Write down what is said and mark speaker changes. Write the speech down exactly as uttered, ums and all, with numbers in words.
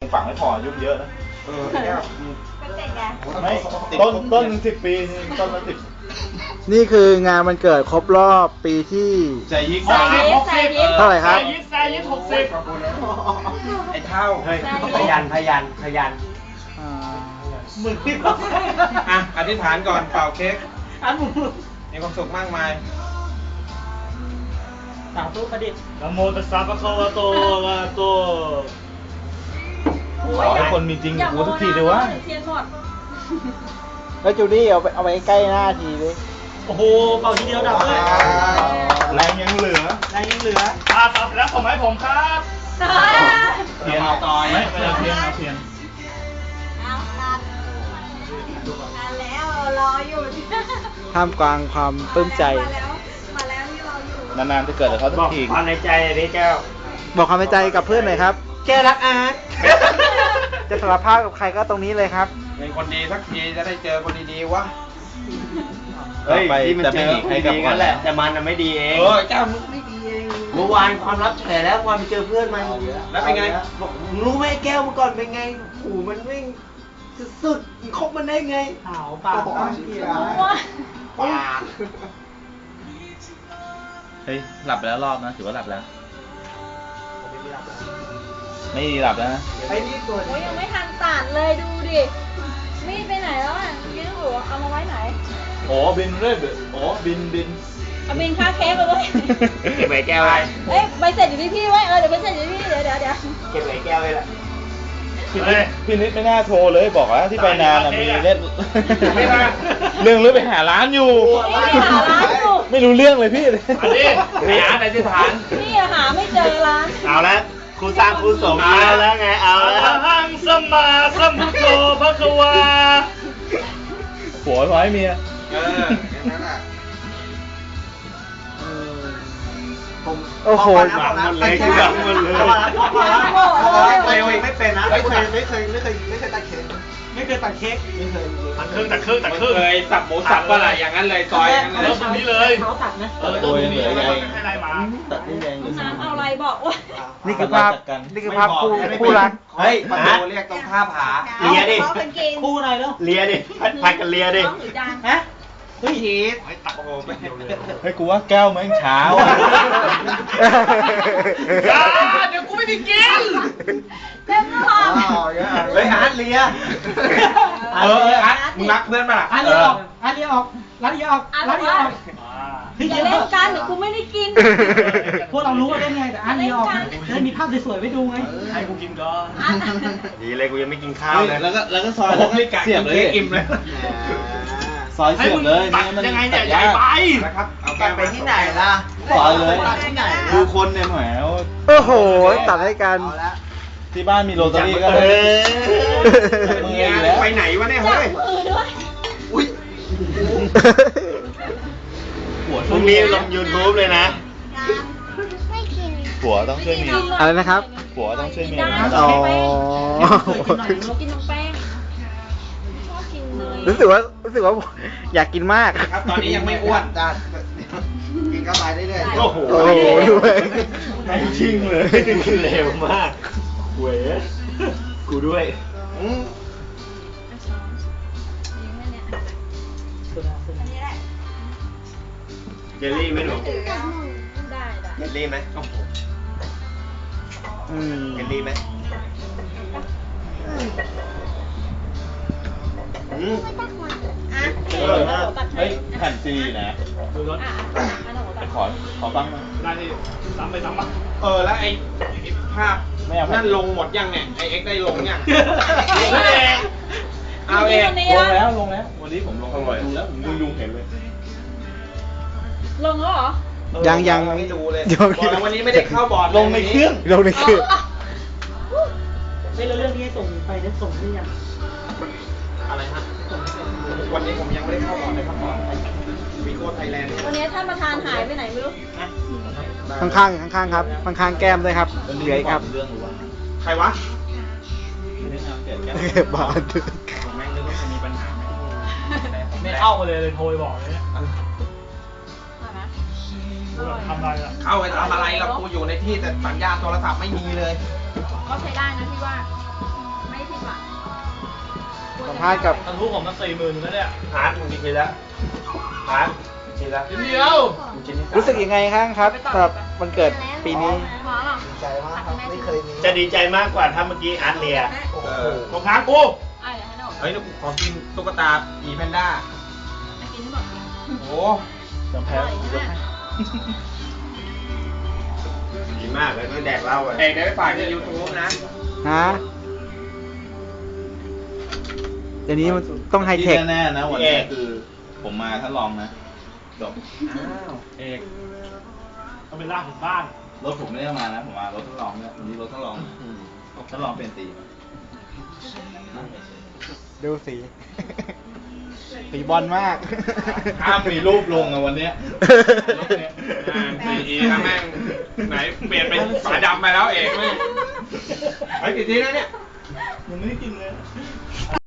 Speaker 1: ฝังไม่พอยุ่งเยอะนะ
Speaker 2: เออเนี่ย
Speaker 3: เป็นเด็กไง
Speaker 1: ไม่ต้นต้นหนึ่งสิบปีต้นละสิบ
Speaker 4: นี่คืองานวันเกิดครบรอบปีที่
Speaker 1: ใจยิก
Speaker 3: หกสิบหกสิบ
Speaker 4: เท่าไหร่ครับ
Speaker 1: ใจยิกใจยิกหกสิบ
Speaker 2: ไอ้เท่าพยันพยันพยันมือที่อ่ะอธิษฐานก่อนเป่าเค้กอันมือมีความสุขมากมาย
Speaker 5: สาธุประดิษฐ์
Speaker 1: นะโมตัสสะภะคะวะโตอะระหะโตขอให้คนมีจริงกูทุกทีเลยวะ
Speaker 3: เทียนหมด
Speaker 4: แล้วจูดี้เอาไปเอาไปใกล้หน้าทีเลย
Speaker 5: โอ้โหเป่าทีเดียวดับเลย
Speaker 1: แรงยังเหลือ
Speaker 5: แรงยังเหลือ
Speaker 1: อ่าครับแล้วผมให้ผมครับ
Speaker 2: เทียนเอาต่อย
Speaker 1: ไม่ไม่เอาเทียนเอาเทียน
Speaker 3: เอาตัดมาแล้วรออยู่
Speaker 4: ท่ามกลางความปลื้มใจ
Speaker 3: มาแล้วมาแล้วที่รออยู่
Speaker 1: นานๆจะเกิดกับเขาทุกที
Speaker 5: ความในใจเลยแก้ว
Speaker 4: บอกความในใจกับเพื่อนหน่อยครับ
Speaker 5: แก้วรักอาร์ต
Speaker 4: จะสารภาพกับใครก็ตรงนี้เลยครับ
Speaker 2: เป็นคนดีสักทีจะได้เจอคนดีๆวะ
Speaker 1: เฮ้ยที่มันเจอใครกับกันแหละ
Speaker 5: แต่มันน่ะไม่ดีเอง
Speaker 2: เออเจ้ามึงไม่ดีเอง
Speaker 5: เมื่อวานความลับแฉแล้วความไปเจอเพื่อนมัน
Speaker 2: แล้วเป็นไง
Speaker 5: บอกรู้ไหมแก้วเมื่อก่อนเป็นไงหูมันวิ่งสุดๆคบมันได้ไงเผาปากปาก
Speaker 2: ปาก
Speaker 1: เฮ้ยหลับไปแล้วรอบนะถือว่าหลับแล้วไม่หลับแล้วนะ
Speaker 3: โอ้ยยังไม่ทันตัดเลยดูดิมีดไปไหนแล้วอ่ะยืดหัวเอามาไว้ไหน
Speaker 1: อ๋อบินเรื่อยอ๋อบินบิน
Speaker 3: เอาบินค่าเค้กไปด้วย
Speaker 5: เก็บไว้แก้วไว้
Speaker 3: เอ้ยใบเสร็จอยู่ที่พี่ไว้เออเดี๋ยวใบเสร็จอยู่ที่พี่เดี๋ยวเดี๋ยวเดี๋ยว
Speaker 5: เก็บไว้แก้วไว้ละ
Speaker 1: พี่นิดไม่น่าโทรเลยบอกว่าที่ไปนานมีเล่นเรื่องเรื่องไปหาร้านอยู่ไม่รู้เรื่องเลยพี่
Speaker 5: อันนี้ไปหาในที่ฐาน
Speaker 3: พี่หาไม่เจอร้าน
Speaker 5: เอาละครูสร้างครูสมเอาแล้วไงเอาแล้ว
Speaker 1: หังสมาสัมพุทโธภควาผัวร้อยเมีย
Speaker 2: เอออย่างนั้นอ่ะ
Speaker 4: ผมโอ้โห
Speaker 5: หวังหมดเลยหวังหมดเลย
Speaker 2: เร็วไม่เป็นนะไม่เคยไม่เคยไม่เคยไม่เคยตัดเค้ก
Speaker 5: ไม่เคยตัดเค้ก
Speaker 2: ไม่เคย
Speaker 1: ตัดครึ่งตัดครึ่งตัดครึ่ง
Speaker 2: เลยสับหมูสับอะไรอย่างนั้นเลยซอยอย่างนั้นเลย
Speaker 1: ตรงนี้เลย
Speaker 5: เขาตัดนะ
Speaker 1: เออตรงนี้เลยให้อะไรมา
Speaker 4: ตัดได้แรงเลย
Speaker 3: น้ำเอาอะไรบอกว่า
Speaker 4: นี่คือภาพนี่คือภาพคู่คู่รัก
Speaker 2: เฮ้ยประตูเรียกตรงท่าผา
Speaker 5: เลียดิ
Speaker 3: คู่อะไรแล้ว
Speaker 5: เลียดิพัดกันเลียดิ
Speaker 3: ฮะ
Speaker 2: เฮ้ยทีสโอ้โห
Speaker 1: เฮ้ยกูว่าแก้วแม่งเช้าเดี๋ยวกูไม่ได้กิน
Speaker 3: เต็มหลอด
Speaker 2: เฮ้ยอาร์ตเลียเอออาร์ตมึงรักเพื่อนป่ะ
Speaker 5: อาร์ตเลียออกอาร์ตเลียออกอาร์ตเลียออกอาร์ตเลียออก
Speaker 3: อย่าเล่นกันเดี๋ยวกูไม่ได้กิน
Speaker 5: พวกเรารู้ว่าเล่นไงแต่อาร์ตเลียออกจะได้มีภาพสวยๆไว้ดูไง
Speaker 1: ให้กูกินก่อน
Speaker 2: ดีเลยกูยังไม่กินข้าวเลย
Speaker 1: แล้วก็แล้วก็ซอยแล้วก็เสียบเลยอิ่มเลยซอยเสียบเลย
Speaker 5: ตัดยังไงเนี่ยใหญ่ไป
Speaker 2: นะครับเอาแกไปที่ไหนล่ะ
Speaker 1: ซอยเลยดูคนเนี่ยแหม
Speaker 4: โอ้โหตัดให้กัน
Speaker 1: ที่บ้านมีโรตารี่ก็เลย
Speaker 2: มือแล้วไปไหนวะเนี่ยเฮ้ย
Speaker 3: มือด้วย
Speaker 2: อุ้ย
Speaker 5: หัวช่วงนี้ลง ยูทูบ เลยนะ
Speaker 1: ผัวต้องช่วยเมีย
Speaker 4: อะไรนะครับ
Speaker 1: ผัวต้องช่วยเมีย
Speaker 4: อ๋อ
Speaker 3: กินน้ำแป้ง
Speaker 4: รู้สึกว่ารู้สึกว่าอยากกินมาก
Speaker 2: ครับตอนนี้ยังไม่อ้วนจ้ากินเข้าไปเรื่อยๆ
Speaker 1: โอ้โหด้วยไม่ชิงเลย
Speaker 5: เร็วมากเว้ยกูด้วยเจลลี่ไหมหนู
Speaker 3: ได้
Speaker 2: เจลลี่ไหม
Speaker 4: อืม
Speaker 2: เจลลี่ไหม
Speaker 1: อืมเฮ้ยแผ่นซีนะดูรถไปขอขอบ้างได้ที่ซ้ำไปซ้ำมา
Speaker 2: เออแล้วไอ้ภาพนั่นลงหมดยังเนี่ยไอเอ็กได้ลงยัง
Speaker 1: เอาเองลงแล้วลงแล้ววันนี้ผมลงดูแล้วผมดูดูเห็นเลย
Speaker 3: ลงแล้วเหรอ
Speaker 4: ยังยัง
Speaker 2: ไม่ดูเลยบอกแล้ววันนี้ไม่ได้เข้าบอร์ด
Speaker 1: ลงในเครื่อง
Speaker 4: ลงในเครื่อง
Speaker 5: เฮ้ยแล้วเรื่องนี้ส่งไปนั้นส่งหรือยัง
Speaker 2: อะไรฮะวันนี้ผมยังไม่ได้เข้าบอร์ดเลยครับบอร์ดวีโก้ไทยแลนด์
Speaker 3: วันนี้ท่านประธานหายไปไหนไม่รู้
Speaker 4: ข้างข้างข้างข้างครับข้างข้างแก้มด้วยครับเหลือครับ
Speaker 2: ใครวะ
Speaker 4: บาด
Speaker 1: แม่งนึกว่าจะมีปัญหา
Speaker 5: ไม่เข้ามาเลยเลยโทรบอกเลย
Speaker 1: ทำอะไรอ่ะ
Speaker 2: เข้าไปทำอะไรเรากูอยู่ในที่แต่สัญญาณโทรศัพท์ไม่มีเลย
Speaker 3: ก็ใช้ได้นะพี่ว่า
Speaker 4: าษณ์กับ
Speaker 1: ทะลุผมมาสี่หมื่นแล้วเนี่ย
Speaker 2: อาร์ตมึงกินไปแล้วอาร์ตกินแล้ว
Speaker 1: เดียว
Speaker 2: มึงกินที่สาม
Speaker 4: รู้สึกยังไงครับครับสำหรับวันเกิดปีนี้
Speaker 3: หมอหรอ
Speaker 5: ดีใจมากครับไม่เคยมี
Speaker 6: จะดีใจมากกว่าถ้าเมื่อกี้อาร์ตเลีย
Speaker 2: เออ
Speaker 6: ตรงทางกู
Speaker 3: อ่ะเดี๋ยวให้หนู
Speaker 2: เฮ้ยแล้วกูขอกินตุ๊กตาหมีแพนด้า
Speaker 3: กินให้หมด
Speaker 2: โอ้
Speaker 1: จำแพ้ยกให้
Speaker 6: ดีมากเลยก็แดกเหล้าอ่ะ
Speaker 2: เอกได้ไปฝากในยูทูบนะ
Speaker 4: ฮะ เดี๋ยวนี้มันต้องไฮเทค
Speaker 1: ที่แน่ๆนะวันนี้คือผมมาท่านลองนะจบ
Speaker 2: อ้าว
Speaker 1: เอก
Speaker 6: ต้องไปลากถึงบ้าน
Speaker 1: รถผมไม่ได้เอามานะผมมารถทดลองเนี่ยวันนี้รถทดลองทดลองเป็นสี
Speaker 4: ดูสี สีบอลมาก
Speaker 1: ห้ามมีรูปลงอะวันเนี้ย
Speaker 2: อ่าสี่อีถ้าแม่งไหนเปลี่ยนเป็นฝาดำไปแล้วเอกแม่งเฮ้ยกี่ทีแล้วเนี่ย
Speaker 1: ยังไม่ได้กินเลย